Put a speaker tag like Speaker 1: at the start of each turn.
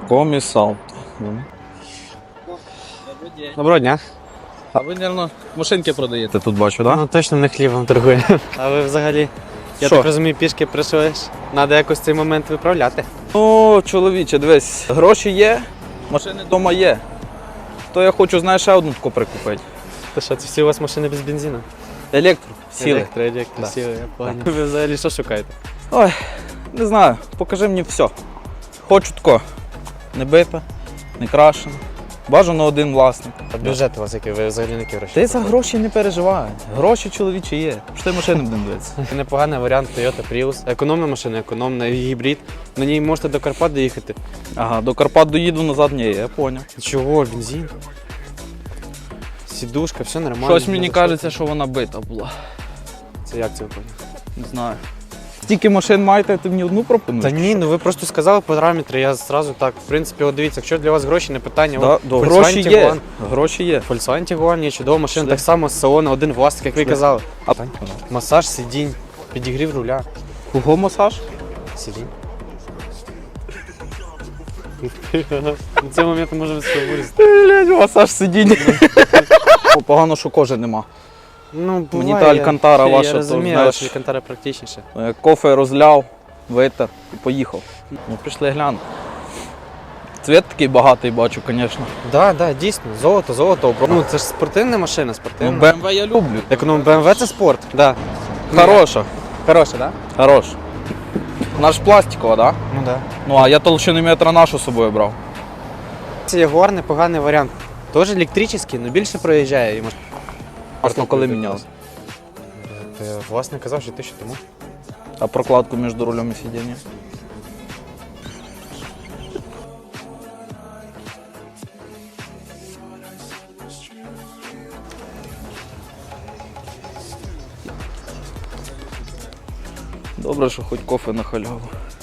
Speaker 1: Комісалто.
Speaker 2: Доброго дня.
Speaker 1: А ви, мабуть, машинки продаєте тут, бачу, так? Да?
Speaker 2: Ну точно не хлібом торгує. А ви взагалі, я
Speaker 1: Що?
Speaker 2: так розумію, пішки прийшли. Треба якось цей момент виправляти.
Speaker 1: Ну, чоловіче, дивись, гроші є, машини вдома є. То я хочу, знаєш, ще одну таку прикупити.
Speaker 2: То що, це всі у вас машини без бензину?
Speaker 1: Електро, сіли.
Speaker 2: Електро,
Speaker 1: Да.
Speaker 2: сіли, я понял. Ви взагалі що шукаєте?
Speaker 1: Ой, не знаю, покажи мені все. Хочу тако. Не бите, не крашено. Бажано один власник.
Speaker 2: А бюджет у вас який? Ви взагалі на які гроші?
Speaker 1: Ти за гроші не переживай. Гроші чоловічі є. Що ти машини будемо дивитися?
Speaker 2: Непоганий варіант Toyota Prius. Економна машина, економна, гібрид. На ній можете до Карпат доїхати.
Speaker 1: Ага, до Карпат доїду, назад ні, я поняв.
Speaker 2: Чого, бензин? Сідушка, все нормально.
Speaker 1: Щось мені кажеться, що вона бита була.
Speaker 2: Це як це ви поняли?
Speaker 1: Не знаю. Стільки машин маєте, ти мені одну пропонуєш?
Speaker 2: Та ні, ну ви просто сказали параметри, я зразу так, в принципі, от дивіться, якщо для вас гроші не питання,
Speaker 1: Да,
Speaker 2: от
Speaker 1: гроші
Speaker 2: Volkswagen
Speaker 1: є.
Speaker 2: Tiguan.
Speaker 1: Гроші є.
Speaker 2: Volkswagen Tiguan є чудова машина,
Speaker 1: Пішли.
Speaker 2: так само з салону, один власник, як ви
Speaker 1: Пішли.
Speaker 2: казали.
Speaker 1: А
Speaker 2: Масаж сидінь, підігрів руля.
Speaker 1: кого масаж?
Speaker 2: Сидінь. На цей момент можемо все вирізати.
Speaker 1: Блять, масаж сидіння. Погано, що кожи нема.
Speaker 2: Ну,
Speaker 1: Мені
Speaker 2: буває,
Speaker 1: та Алькантара ваша,
Speaker 2: я
Speaker 1: то,
Speaker 2: розумію,
Speaker 1: знаєш,
Speaker 2: але Алькантара практичніше.
Speaker 1: Кофе розляв, витер і поїхав. Ну, прийшли глянути. Цвіт такий багатий бачу, звісно.
Speaker 2: Так, да, дійсно, золото. Ну, це ж спортивна машина,
Speaker 1: Ну,
Speaker 2: спортивна.
Speaker 1: BMW я люблю.
Speaker 2: Економ BMW це спорт, да.
Speaker 1: Хороша.
Speaker 2: Хороша, да?
Speaker 1: Хороша. Вона ж пластикова, так? Да?
Speaker 2: Ну да.
Speaker 1: Ну, а я толщину метра нашу з собою брав.
Speaker 2: Це Ягуар непоганий варіант. Теж електричний, але більше проїжджає. І
Speaker 1: Масло коли міняли?
Speaker 2: Власне казав, що 1000 тому.
Speaker 1: А прокладку між рулем і сидінням? Добре, що хоч кофе на халяву.